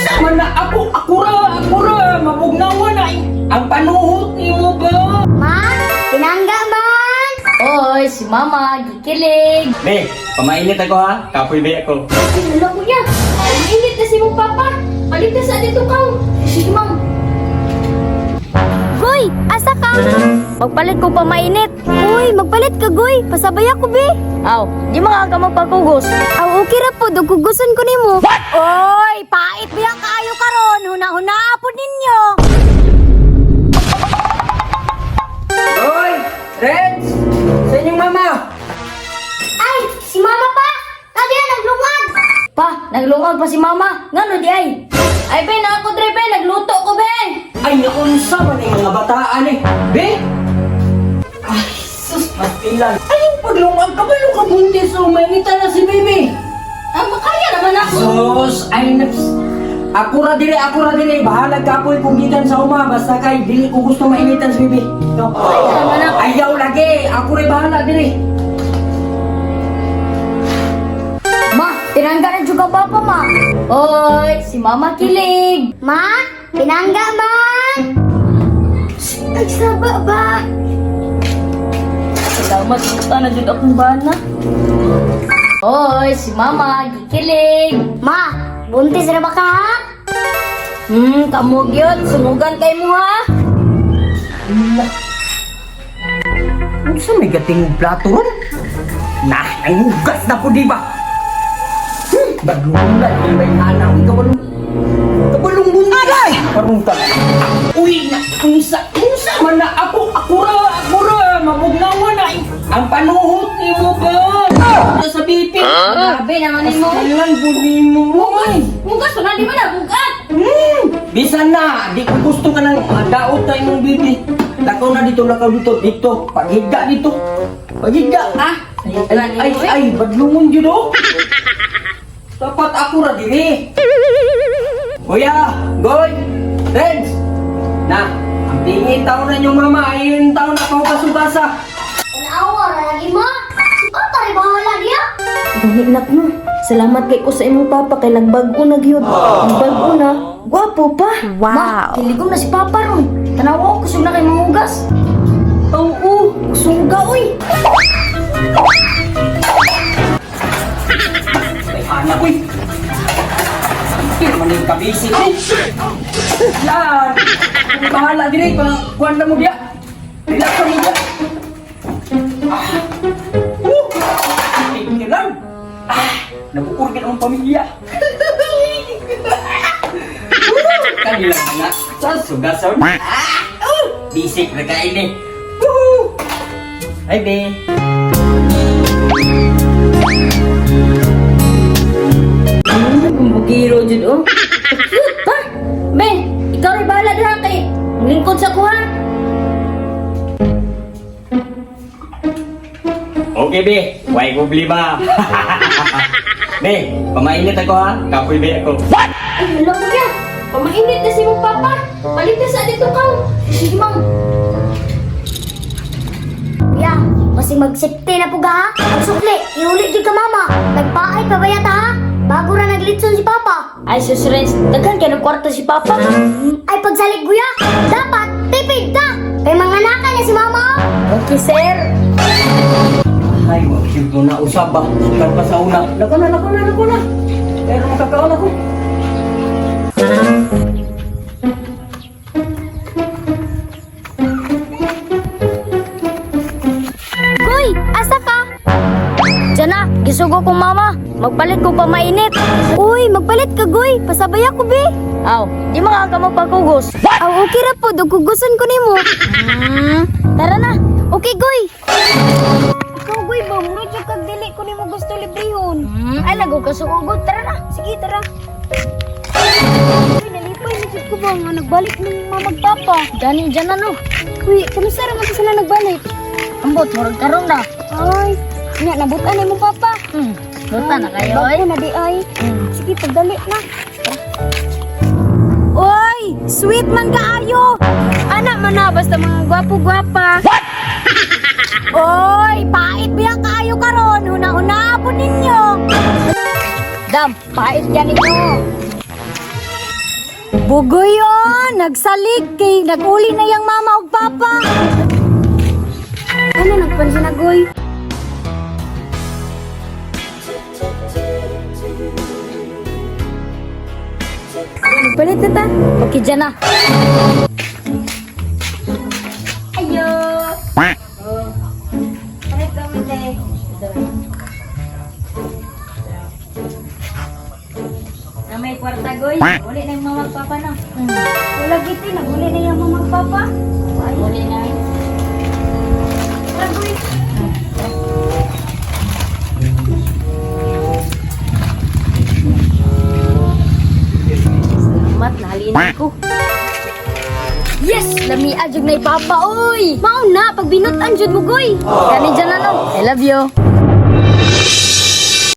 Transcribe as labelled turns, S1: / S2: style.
S1: Sama na ako ra, mabugnawa na ang panuhot ni mo ba?
S2: Man, pinangga man.
S3: Oy, si Mama, gikilig.
S1: Be, pamainit ako ha, kapoy be ako.
S3: Ay, wala ko niya. Ay, init na si mong papa. Palit na sa dito ka. Sige, Ma'am.
S2: Goy, asa ka? Magpalit ko pa mainit. Uy, magpalit ka, Goy. Pasabay ako, be.
S3: Aw, di makaka magpagugos.
S2: Aw, okay ra po. Dugugusan ko nimo. Oy, pait biyang kaayo karon. Huna-huna po ninyo.
S1: Hoy, Reds! Sa inyong mama!
S2: Ay, si Mama pa. Kaya naglungag.
S3: Pa, naglungag pa si Mama. Ngano di ay? Ay, Ben, ako, Dre, Ben. Nagluto ko, Ben.
S1: Ay, naunsa man yung mga bataan eh. Be? Ay, sus, matilan. Ay, yung paglungag ka ba yung kabuntis o mainita na si baby?
S3: Ah, makaya naman ako.
S1: Sus, ay naps. Ako ra dire. Bahala ka po kung gikan sa uma. Basta kay, dili ko gusto mainitan si baby. No.
S3: naman ako.
S1: Ayaw lagi. Ako rin bahala dire.
S3: Ma, tinangga na juga papa, Ma. Oy, si Mama kilig.
S2: Ma, pinangga man. Ay, saba ba?
S3: Salamat, puta na dyan akong bana. Oy, si Mama, gikilig.
S2: Ma, buntis na ba ka, ha?
S3: Kamog yun. Sumugan kay mo, ha?
S1: Ano sa may gating plato ron? Nah, ang hugas na po di ba? Baglungan na may anak. Kabalong buntis. Parang ka. Uy, na, unsa man na ako ra, mabugnawa na ang panuhot ni mo ba? Sa bitin.
S3: Grabe naman ni mo.
S1: Kailan buli mo?
S3: Mugas pa na, di ba na? Bugat!
S1: Bisan na, di ko gusto ka ng daot na imong bibi. Lakaw dito. Paghiga dito. Paghiga.
S3: Ah,
S1: Ay, badlungon yun oh. Dapat ako ra diri. Kuya, Goy, Reds. Na, ang tingin taon na yung mama, ayun taon na kasubasa.
S2: Awa, lagi mo. Si Papa rin bahala niya.
S3: Nak mo. Salamat kay ko sa imong papa kay nagbago na gyud. Nagbago na. Gwapo pa.
S2: Wow.
S3: Ma, kiligom na si papa ron. Tanawa ko kusog na kay mamugas. Oo, suga oy.
S1: Ay, anak ko eh. Hindi naman yung kabisi ko. Yan. Bahala diri, kuwan na mo diya. Relax ka mo diya. Tingin lang. Nabukurgin ang pamilya. Kanilang mga sa sugason. Bisik na kain eh. Hi, be.
S3: Bugiro jud oh. Cute pa. Ben, ikaw rin bahala dira kay lingkod sa kuha.
S1: Okay, be. Why problema? Be, pamainit ako ha. Kapoy be ako.
S3: Ay, wala ko yan. Pamainit na si mong papa. Palit na sa dito ka. Sige, Ma'am.
S2: Ya, masih magsipte na po ga, ha? Magsukli, iulit di ka, Mama. Nagpaay pa ba yata, ha? Bago na naglitson si Papa.
S3: Ay, sus, Renz. Daghan kayo ng kwarto si papa.
S2: Ay, pagsalig guya, dapat tipid ka. Kay mga naka niya si Mama, oh.
S3: Okay, sir.
S1: Ay, wag mo na usap ba? Sukat pa sa una. Lako na. Pero makakaon ako.
S2: Goy, asa ka?
S3: Diyan na, gisugo ko mama. Magpalit ko pa mainit.
S2: Uy, magpalit ka, Goy. Pasabay ako, be.
S3: Aw, di makaka magpagugos.
S2: Aw, okay ra po. Dugugusan ko nimo.
S3: Tara na.
S2: Okay, Goy. Ikaw, Goy, ba? Murad yung kagdili ko nimo gusto librehon.
S3: Ay, lago ka sugugod. Tara na.
S2: Sige, tara. Uy, nalipay. Nasip ko ba nga nagbalik ng mga magpapa?
S3: Dani, dyan na no.
S2: Uy, kamusta naman sila nagbalik?
S3: Ambot, murag karon na.
S2: Ay, nga, nabutan na mo, Papa.
S3: Luta na kayo,
S2: Bago
S3: oy.
S2: na di ay. Sige, pagdali na. Oy, sweet man kaayo. Anak man na, basta mga gwapo-gwapa. Oy, pait biya kaayo karon. Huna-huna po ninyo.
S3: Dam, pait yan ninyo.
S2: Bugoy nagsalig kay naguli na yang mama ug papa. Ano nagpansin na goy? Balik na ta. Okay dyan na. Ayo. Oh. Balik kami deh. Na may kwarta goy. Uli na yung mama at papa na. Wala giti, naguli na yung mama at papa. Uli na. Wala goy. Salamat, nahalina ko. Yes! Lami adyog na ipapa, oy! Mao na, pag binutan jud mo, goy! Kani dyan na, no? I love you.